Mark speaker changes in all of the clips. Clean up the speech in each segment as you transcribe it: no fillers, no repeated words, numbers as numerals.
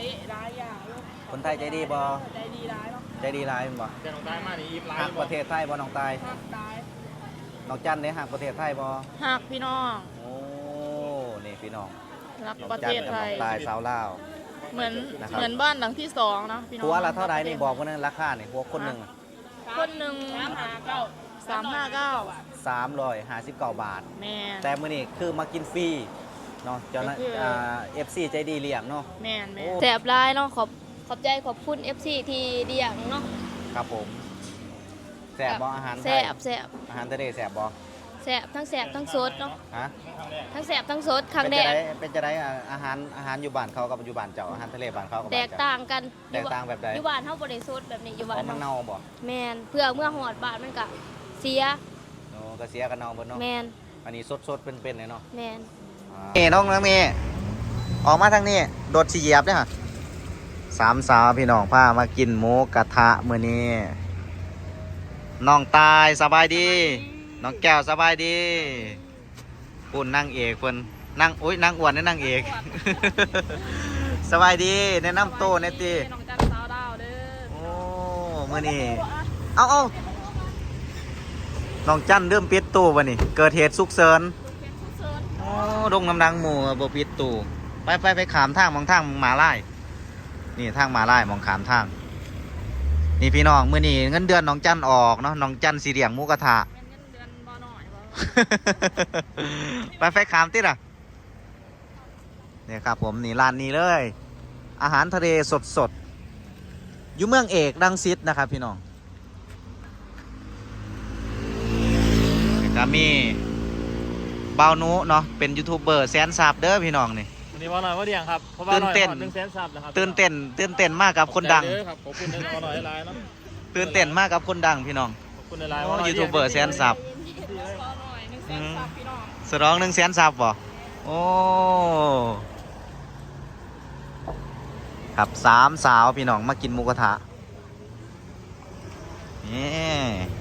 Speaker 1: เละร้ายอย่าง
Speaker 2: คนไทยใจดีบ่
Speaker 1: ใจดีร้ายเนาะ
Speaker 2: ใจดีร้ายบ่
Speaker 3: แต่น้องตายมานี่อิ่มหลาย
Speaker 2: หักประเทศไทยบ่น้องตาย
Speaker 1: ภาคตาย
Speaker 2: น้องจันเนี่ยหักประเทศไทยบ่
Speaker 1: หักพี่น้อง
Speaker 2: โอ้นี่พี่น้อง
Speaker 1: รัก
Speaker 2: น้อง
Speaker 1: ประ
Speaker 2: จั
Speaker 1: เท
Speaker 2: น
Speaker 1: ศ
Speaker 2: กับ
Speaker 1: ไท
Speaker 2: น้อย งตายสาวลาว
Speaker 1: เหมือน
Speaker 2: นะครับ
Speaker 1: เหมือนบ้านหลังที่2นะพี่น้อง
Speaker 2: หัวละเท่าไหร่นี่บอกคนนึงราคานี่หัวคนหนึ่ง
Speaker 1: คนหนึ่ง359
Speaker 2: 359 บาท
Speaker 1: แม่น
Speaker 2: แต่มื้อนี้คือมากินฟรีเนาะเจ้าหน้า
Speaker 1: ก็คือ
Speaker 2: FC ใจดีเลี้ยงเนาะ
Speaker 1: แม่นแม่น
Speaker 4: แสบลายเนาะขอบใจขอบคุณ FC ที่เลี้ยงเนาะ
Speaker 2: ครับผมแซ่บบ่อาหารไท
Speaker 4: แส
Speaker 2: ย
Speaker 4: บแสบ
Speaker 2: อาหารทะเลแซ่บบ่
Speaker 4: แสบทั้งแสบทั้งสดเนาะ
Speaker 2: ฮะ
Speaker 4: ทั้งแสบทั้งสดครั้งแรก
Speaker 2: เป็นจะได้อาหารอยู่บ้านเขากับอยู่บ้านเจ้าอาหารทะเลบ้านเขากับ
Speaker 4: แต
Speaker 2: บ้าน
Speaker 4: ก
Speaker 2: เจ้า
Speaker 4: ต่างกัน
Speaker 2: แตกต่างแบบใด
Speaker 4: อยู่บ้านเฮาบ่ได้สดแบบนี้อยู่บ้า
Speaker 2: อ๋อน มัน
Speaker 4: เฮา
Speaker 2: เน่าบ่
Speaker 4: แม่นเพื่อเมื่อหอดบ้านมันก็เสีย
Speaker 2: โอ้ก็เสียกันเน่าเบิดเนาะ
Speaker 4: แม่น
Speaker 2: อันนี้สดเป็นเลยเนาะ
Speaker 4: แม่น
Speaker 2: น้องเมย์ออกมาทางนี้โดดสิเหยียบเด้อค่ะสามสาวพี่น้องพามากินหมูกระทะมื้อนี้น้องตายสบายดีน้องแก้วสบายดีปุ่นนั่งเอกเพิ่นนั่งอุ้ยนั่งอ้วนนี่นั่งเอก สบายดีแนะนำโตวแน่ติ
Speaker 1: น้องจันสาวดาวเด้อ
Speaker 2: โอ้มื้อนี้เอาน้องจันเริ่มปิดตู้บ่นี่เกิดเหตุฉุกเฉินโอ้ดงน้ำดังหมู่บ่ปิดตู้ไปขามทางมองทางหมาลายนี่ทางหมาลายมองขามทางนี่พี่น้องมื้อนี้เงินเดือนน้องจันออกเนาะน้องจันสิเลี้ยงหมูกระทะ
Speaker 1: แม่นเงินเดือนบ่น้อยบ่
Speaker 2: ไปขามติดอ่ะเนี่ยครับผมนี่ร้านนี้เลย อาหารทะเลสดอยู่เมืองเอกรังสิตนะครับพี่น้องก็มีเบานุเนาะเป็นยูทูบเบอร์แสนซับเด้อพี่น้องนี่
Speaker 3: วันนี้ว่าหน่อยว่าเดียงครับเพราะว่าหน่อย100,000 ซับนะครับ
Speaker 2: ตื่นเต้นมากกับคนดัง
Speaker 3: ขอบใจเด้อครับขอบคุณในหน่อยหลายเนาะ
Speaker 2: ตื่นเต้นมากกับคนดังพี่น้อง
Speaker 3: ขอบคุณในหลาย
Speaker 2: โอ้ยูทูบเบอร์แสนซับ
Speaker 1: ขอหน่อย100,000ซับพี่น้อง
Speaker 2: สร้อง100,000 ซับบ่โอ้ครับสามสาวพี่น้องมากินหมูกระทะนี่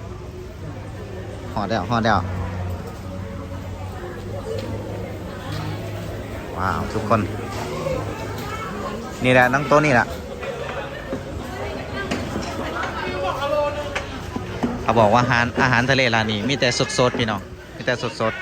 Speaker 2: ห่อเดียวว้าวทุกคนนี่แหละนั่งโต๊ะนี่แหละเขาบอกว่าอาหารทะเลร้านนี้มีแต่สดๆพี่น้องมีแต่สดๆ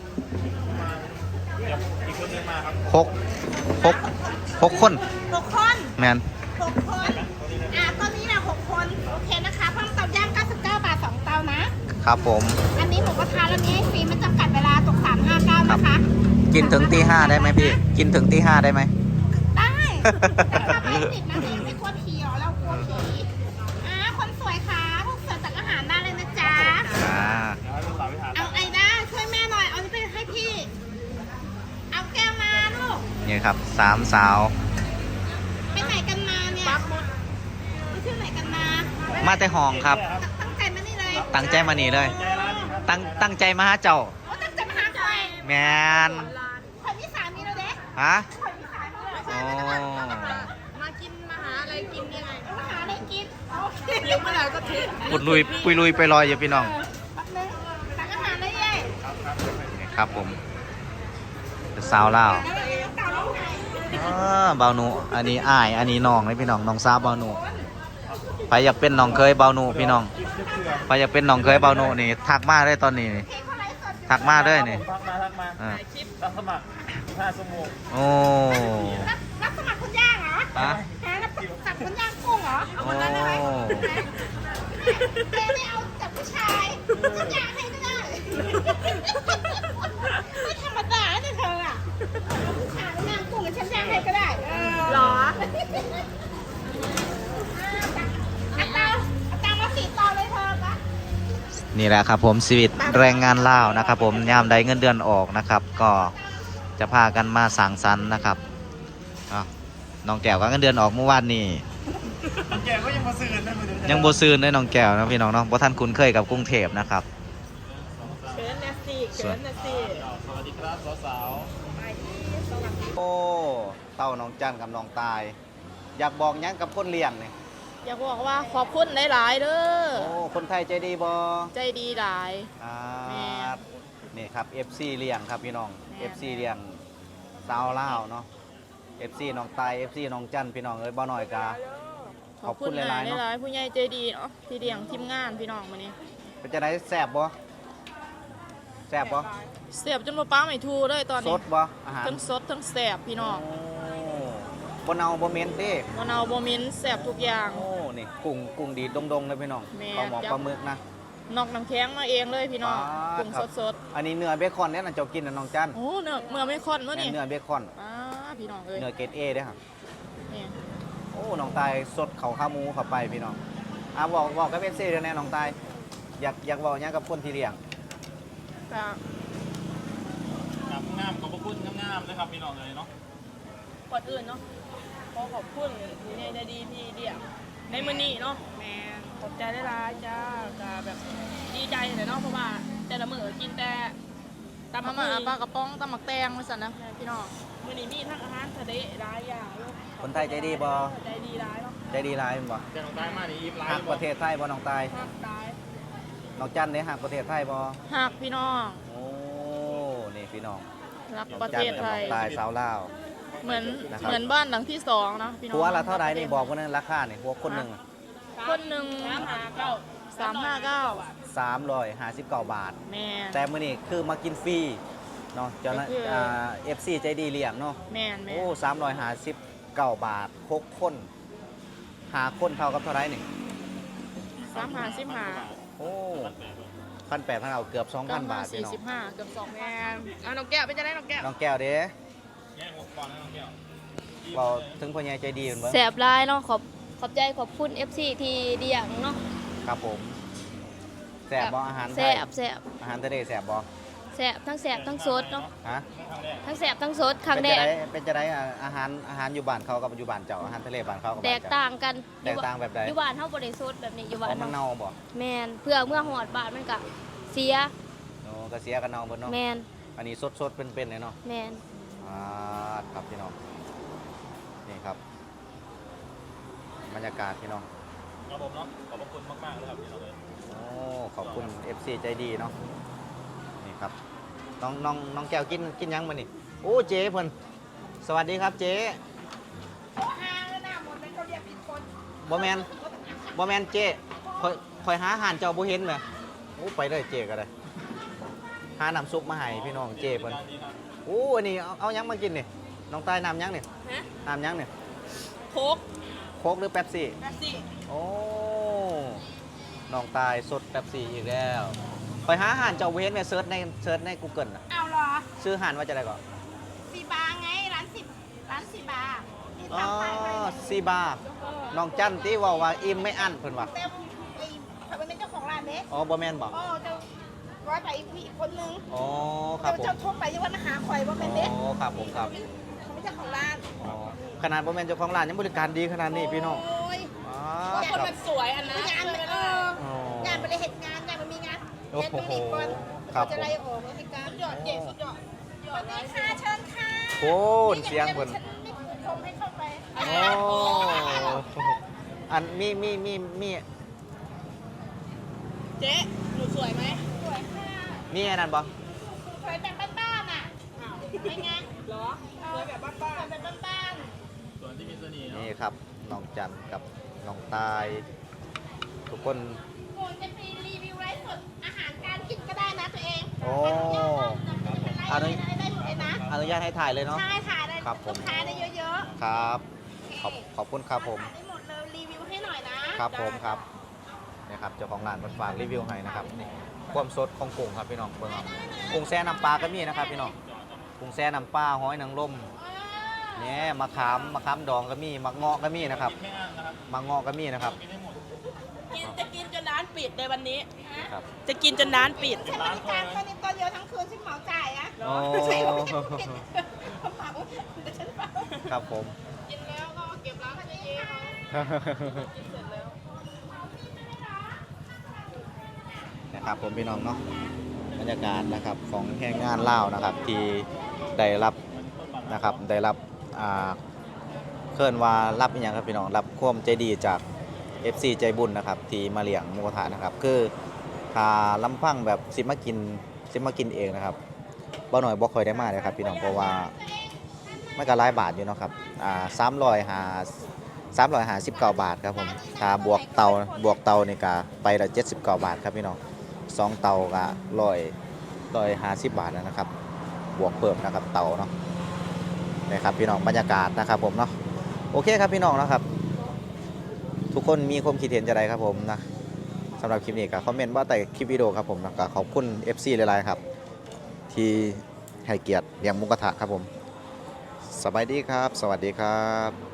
Speaker 3: อีกคนนึงมาครับ
Speaker 2: หกคน
Speaker 5: 6 คน
Speaker 2: แมน
Speaker 5: 6 คนตอนนี้นะ6 คน โอเคนะคะเพิ่มเตาย่าง99 บาท 2 เตานะ
Speaker 2: ครับผม
Speaker 5: อันนี้หมูกระทะแล้วนี้ให้ฟรีไม่จำกัดเวลาตก359นะคะ
Speaker 2: กินถึงตี 5ได้ไหมพี่ กินถึงตี 5ได้ไหม
Speaker 5: ได้แต่ถ้าไม่ติดนะเองไม่กลัวผีเหรอเรากลัวผีคนสวยค่ะพวกเสิร์ฟจากอาหารได้เลยนะจ๊ะ
Speaker 2: อ่า
Speaker 3: เดี๋ยวให้ลูกสาวไปถาม
Speaker 5: เอาไอ้ด้าช่วยแม่หน่อย เอาไปให้พี่ เอาแก้วมาลูก
Speaker 2: นี่ครับสามสาว
Speaker 5: ไปไหนกันมาเนี่ยไปเที่ยวไหนกันมา
Speaker 2: มาแต่ห้องครับ
Speaker 5: ตั้งใจมานี่เลย
Speaker 2: ตั้งใจมานี่เลย
Speaker 3: ใจร้านนี้ครับ
Speaker 2: ตั้งใจมาหาเจ้า
Speaker 5: โอ้ตั้งใจมาหาใคร
Speaker 2: แมน
Speaker 5: คนที่สามีเราเด็ก
Speaker 2: ฮะ
Speaker 5: คนที่สามีเรา
Speaker 2: โอ้
Speaker 1: มากินมาหาอะไรกินยังไง
Speaker 5: มาหาอะไรกินโอเค
Speaker 1: เดี๋ยวเมื่อไหร่ก็ทิ้ง
Speaker 2: ปุดลุยไปลอยอยู่พี่น้อง
Speaker 5: แป๊บนึงสั่งอาหารได้ยัย
Speaker 2: นี่ครับผมเป็นสาวลาวเบาหนูอันนี้อ้ายอันนี้น้องเลยพี่น้องน้องสาวเบาหนูไปอยากเป็นน้องเคยเบาหนูพี่น้องไปอยากเป็นน้องเคยเบาหนูนี่ทักมาได้ตอนนี้นี่ทักมาได้นี่
Speaker 3: ทักมา
Speaker 2: อ่า
Speaker 3: รับสมัคร5 ชั่วโมง
Speaker 2: โอ้
Speaker 5: รับสมัครคนย่างเหรอ
Speaker 2: ฮะ
Speaker 5: รับสมัครคนย่างกุ้งเหรอ
Speaker 2: โอ้
Speaker 5: แกไม่เอาจากผู้ชายคนย่างให้ก็ได้ไม่ธรรมดาเนี่ยเธออ่ะผู้ชายย่างกุ้งกับฉันย่างให้ก็ได้หรอเอาตังมา4 ตอนเลยเธอปะ
Speaker 2: นี่แหละครับผมชีวิตแรงงานลาวนะครับผมยามใดเงินเดือนออกนะครับ ก็จะพากันมาสั่งสรรค์นะครับอ้าวน้องแก้วก็เงินเดือนออกเมื่อวานนี้
Speaker 3: แกก็ยังมาซื้อนะมือเดียว
Speaker 2: ยังโบซืนเลยน้องแก้วนะพี่น้องเนาะเพราะท่านคุ้นเคยกับกรุงเทพนะครับ
Speaker 1: เชิญนะสิเชิญนะสิ
Speaker 3: สวัสดีครับสาว
Speaker 2: โอ้เต้าน้องจันกับน้องตาย อยากบอกยังกับคนเลี้ยงนี่
Speaker 1: อยากบอกว่าขอบคุณหลายๆเด้อ
Speaker 2: โอ้คนไทยใจดีบ่
Speaker 1: ใจดีหลาย แม่
Speaker 2: นี่ครับ FC เลี้ยงครับพี่น้อง
Speaker 1: แม่
Speaker 2: FC เลี้ยงสาวลาวเนาะ FC น้องตาย FC น้องจันพี่น้องเอ้ยบ่น้อยกาขอบคุณหลายๆเนาะ
Speaker 4: หลายๆผู้ใหญ่ใจดีเนาะที่เลี้ยงทีมงานพี่น้องมื้อนี้
Speaker 2: เป็นจะได้แซ่บบ่แซ่บบ่
Speaker 4: เสียบจนบ่ป้าไม่ถูเลยตอน
Speaker 2: ส
Speaker 4: นี้
Speaker 2: ดบ่อาหาร
Speaker 4: ทั้งสดทั้งแซ่บพี่น้อง
Speaker 2: โอ้บ่เน่าบ่เหม็นเด้
Speaker 4: บ่เนาบ่เหม็นแซ่บทุกอย่าง
Speaker 2: โอ้นี่กุ้งดีดงๆเลยพี่น้อง
Speaker 4: แม่
Speaker 2: ปลาหมอ
Speaker 4: จับ
Speaker 2: ปลาหมึกนะ
Speaker 4: นอกน้ำแข็งมาเองเลยพี่น้อง
Speaker 2: อ่า
Speaker 4: กุ้ง
Speaker 2: ครับ
Speaker 4: สด
Speaker 2: อันนี้เนื้อเบคอนเนี่ยน่ะเจ้ากินน่ะน้องจัน
Speaker 4: ๆโอ้เนื้อเมื่อไม่ค่อนมื้อนี่
Speaker 2: เนื้อเบคอน
Speaker 4: พี่น้องเอ้ย
Speaker 2: เนื้อเกรด A เด้อครับ
Speaker 4: นี่
Speaker 2: โอ้น้องตายสดเขาขาหมูเข้าไปพี่น้องบอกกับ FC เด้อแน่น้องตายอยากเว้าหยังกับคนที่เลี้ยง
Speaker 4: ก็
Speaker 3: งามขอบพระคุณงามๆนะครับพี่น้องเลยเนาะ
Speaker 4: ก่อนอื่นเนาะขอขอบคุณผู้ใหญ่ใจดีที่เลี้ยงในมื้อนี้เนาะแม่ขอบใจหลายๆจ้าก็แบบดีใจเลยเนาะเพราะว่าแต่ละมื้อกินแต่ตำมาปลากระป๋องตำหมักแตงว่าซั่นนะพี่น้องมื้อนี้มีทั้งอาหารทะเลหลายอย่างอยู่
Speaker 2: คนไทยใจดีบ่
Speaker 4: ใจดีหลายเนาะ
Speaker 2: ใจดีหลายแม่นบ่
Speaker 3: เจ้าน้องตายมานี่อิ่มหลาย
Speaker 2: ฮักประเทศไทยบ่น้องตาย
Speaker 4: ฮักหลาย
Speaker 2: น้องจันเด้ฮักประเทศไทยบ่
Speaker 4: ฮักพี่น้อง
Speaker 2: โอ้นี่พี่น้อง
Speaker 4: รัก
Speaker 2: น้อง
Speaker 4: ประ
Speaker 2: จั
Speaker 4: เท
Speaker 2: น
Speaker 4: ศ
Speaker 2: กับ
Speaker 4: ไท
Speaker 2: น้อย งตายสาวลาว
Speaker 4: เหมือน
Speaker 2: นะครับ
Speaker 4: เหมือนบ้านหลังที่สองเนาะพี่น้อง
Speaker 2: หัวละเท่าไหร่นี่บอกว่านึงราคานี่หัวคนหนึง
Speaker 4: คนหนึ่ง359
Speaker 2: 359 บาท
Speaker 4: แม่น
Speaker 2: แต่มื้อนี้คือมากินฟรีเนาะเจ้าหน้า
Speaker 4: ก็คือ
Speaker 2: FC ใจดีเลี้ยงเนาะ
Speaker 4: แม่นแม่
Speaker 2: โอ้359 บาท6คน5คนเท่ากับเท่าไหร่นี่
Speaker 4: 355
Speaker 2: โอ้1,800เอาเกือบ 2,000 บาทพี่น้อง
Speaker 4: 45เกือบ2แม่นน้องแก้วเป็นจังได๋น้องแก้ว
Speaker 2: น้องแก้วเด้
Speaker 3: แง่หัวก่อนนะน้องแก้ว
Speaker 2: เราถึงพ่อใหญ่ใจดีเหมือนเบิ่ง
Speaker 4: แสบหลายเนาะขอบใจขอบคุณ FC ที่เลี้ยงเนาะ
Speaker 2: ครับผมแซ่บบ่อาหารไท
Speaker 4: แซ่
Speaker 2: ย
Speaker 4: บแซ่บ
Speaker 2: อาหารทะเลแซ่บบ่
Speaker 4: แซ่บทั้งแซ่บทั้งสดเนาะ
Speaker 2: ฮะ
Speaker 4: ทั้งแซ่บทั้งสดครั้งแรก
Speaker 2: เป็นจะได้อาหารอยู่บ้านเขากับอยู่บ้านเจ้าอาหารทะเลบ้านเขากับ
Speaker 4: แต
Speaker 2: บ้าน
Speaker 4: ก
Speaker 2: เจ้า
Speaker 4: ต่างกัน
Speaker 2: แตกต่างแบบใด
Speaker 4: อยู่บ้านเฮาบ่ได้สดแบบนี้อยู่
Speaker 2: อ๋
Speaker 4: บ้า
Speaker 2: อน มัน
Speaker 4: เฮา
Speaker 2: เน่าบ่
Speaker 4: แม่นเพื่อเมื่อหอดบ้านมันก็เสีย
Speaker 2: โอ้ก็เสียกันเน่าเบิดเนาะ
Speaker 4: แม่น
Speaker 2: อันนี้สดๆเป็นๆเลยเนาะ
Speaker 4: แม่น
Speaker 2: ครับพี่น้องนี่ครับบรรยากาศพี่น้อง
Speaker 3: ครับผมเนาะขอบพระคุณมากๆเลยครับพี่น้องเลย
Speaker 2: โอ้ขอบคุณ FC ใจดีเนาะนี่ครับน้องแก้วกินยังมื้อนี่โอ้เจ๊เพิ่นสวัสดีครับเจ๊
Speaker 5: โอ้ห้างแล้วนะหมดเป็นเขาเรียกผิดคน
Speaker 2: บ่แม่นเจ๊คอยหาอาหารเจ้าบ่เห็นแหมโอ้ไปเลยเจ๊ก็ได้หาน้ำซุปมาให้พี่น้องเจ๊เพิ่น
Speaker 3: การดีครับ
Speaker 2: โอ้อันนี้เอายังมากินนี่น้องตายน้ำยังนี่
Speaker 4: ฮะ
Speaker 2: น้ำยังนี่
Speaker 4: โคก
Speaker 2: โค้กหรือเป๊ปซี่
Speaker 4: แบบสิ
Speaker 2: โอ้น้องตายสดเป๊ปซี่อีกแล้วคอยหาอาหารเจ้าบ่เห็นแม่เซิร์ชใน Google น่ะ
Speaker 5: เอาเหรอ
Speaker 2: ชื่ออาหารว่าจะได้ก่อน
Speaker 5: ซีบาร์ไงร้านซีบาร์ที่
Speaker 2: อ๋อ
Speaker 5: ทำไปไว้
Speaker 2: ซีบาร์น้องจันที่ว่าอิ่มไม่อั้นเพิ่นว่า
Speaker 5: เต็มไอ้เขาเป็นเจ้าของร้านเด้
Speaker 2: อ๋อบ่แม่นบ่
Speaker 5: โอ้เจ้าร้อยไปอีกคนนึง
Speaker 2: อ๋อครับผม
Speaker 5: เจ้าโทรไปยังว่าหาข่อยว่าเป็นเด้
Speaker 2: อ๋อครับผมครับ
Speaker 5: เขาไม่เจ้าของร้าน
Speaker 2: อ๋อขนาดบ่แม่นเจ้าของร้านยังบริการดีขนาดนี้พี่น้อง
Speaker 5: โอ้ย
Speaker 2: อ๋อ
Speaker 4: คน
Speaker 2: ครับ
Speaker 4: มันสวยอันนั้น
Speaker 5: งานมัน
Speaker 2: อ๋อง
Speaker 5: านไปเลยเหตุงานมันมีงาน
Speaker 2: โอ้
Speaker 5: เฮ็ด
Speaker 2: โห
Speaker 5: ไปอีกคน
Speaker 2: ครับ
Speaker 5: จะไล่ออกเลยเหตุการณ์สุดยอดเจ๋งสุดยอดสวัสดีค่ะเชิญค่ะ
Speaker 2: โอ้เสียงเพิ่น
Speaker 5: ฉันไม่ชมให้เข้าไป
Speaker 2: โอ้อันมี
Speaker 4: เจ๊หนูสวยไหม
Speaker 5: สวยค่ะ
Speaker 2: มีอันนั้นบ่
Speaker 5: สวยแบบบ้านๆอ่ะเป็นไง
Speaker 4: เหรอสวยแบบบ้าน
Speaker 5: สวยแบบบ้าน
Speaker 3: ส่วนที่มีเสน่ห์เนาะ
Speaker 2: นี่ครับน้องจันกับน้องตาย ทุกคน
Speaker 5: ๆโอ้ยจะไปรีวิวไลฟ์สดอาหารการกินก็ได้นะตัวเอง
Speaker 2: โอ้
Speaker 5: อนุญาตได้หมดเลยนะ
Speaker 2: อนุญาตให้ถ่ายเลยเนาะ
Speaker 5: ใช่ถ่ายได้
Speaker 2: ครับผม
Speaker 5: ลูกค้าได้เยอะ
Speaker 2: ครับ
Speaker 5: ๆ
Speaker 2: ขอบคุณครับผม
Speaker 5: ถ่ายได้หมดเลยรีวิวให้หน่อยนะครับ
Speaker 2: ผมครับนี่ครับเจ้าของร้านมันฝากรีวิวให้นะครับนี่ความสดของกุ้งครับพี่น้องเบิ่งเอากุ้งแซ่น้ำปลาก็มีนะครับพี่น้องกุ้งแซ่น้ำปลาหอยนางรมเนี่ยมะขามดองก็มีมะเงาะก็มีนะครับ
Speaker 3: แค่นั้นนะครับ
Speaker 2: มะเงาะก็มีนะครับ
Speaker 3: กินได้หมด
Speaker 4: จะกินจนร้านปิดในวันนี้
Speaker 2: ครับ
Speaker 4: จะกินจนร้านปิด
Speaker 5: ฉันบริการแค่นี้ตัวเดียวทั้งคืนฉันเหมาจ่ายอะ
Speaker 2: โอ้
Speaker 5: ใช่ไม่ใช่ผิดเขาเหมาเดี๋ยวฉันเหมา
Speaker 2: ครับผม
Speaker 4: กินแล้วก็เก็บร้านให้เจ๊กินเสร็จแล้ว
Speaker 2: นะครับผมพี่น้องเนาะบรรยากาศนะครับของแห่งงานเล่าวนะครับที่ได้รับนะครับได้รับเคลื่อนว่ารับอหย่างครับพี่น้องรับความใจดีจาก FC ใจบุญนะครับที่มาเลี้ยงหมูกระทะนะครับคือถ้าลำพังแบบสิมากินเองนะครับบ่หน่อยบ่ค่อยได้มาเลยครับพี่น้องเพราะว่ามันก็หลายบาทอยู่เนาะครับ359 บาทครับผมถ้าบวกเตานี่ก็ไปละ79 บาทครับพี่น้อง2เตาก็150 บาทแล้วนะครับบวกเพิ่มนะครับเตาเนาะนี่ครับพี่น้องบรรยากาศนะครับผมเนาะโอเคครับพี่น้องนะครับ ทุกคนมีความคิดเห็นจะไรครับผมนะสำหรับคลิปนี้ก็คอมเมนต์ว่าแต่คลิปวิดีโอครับผมนะก็ขอบคุณ FC หลายๆครับที่ให้เกียรติเลี้ยงหมูกระทะครับผมสบายดีครับสวัสดีครับ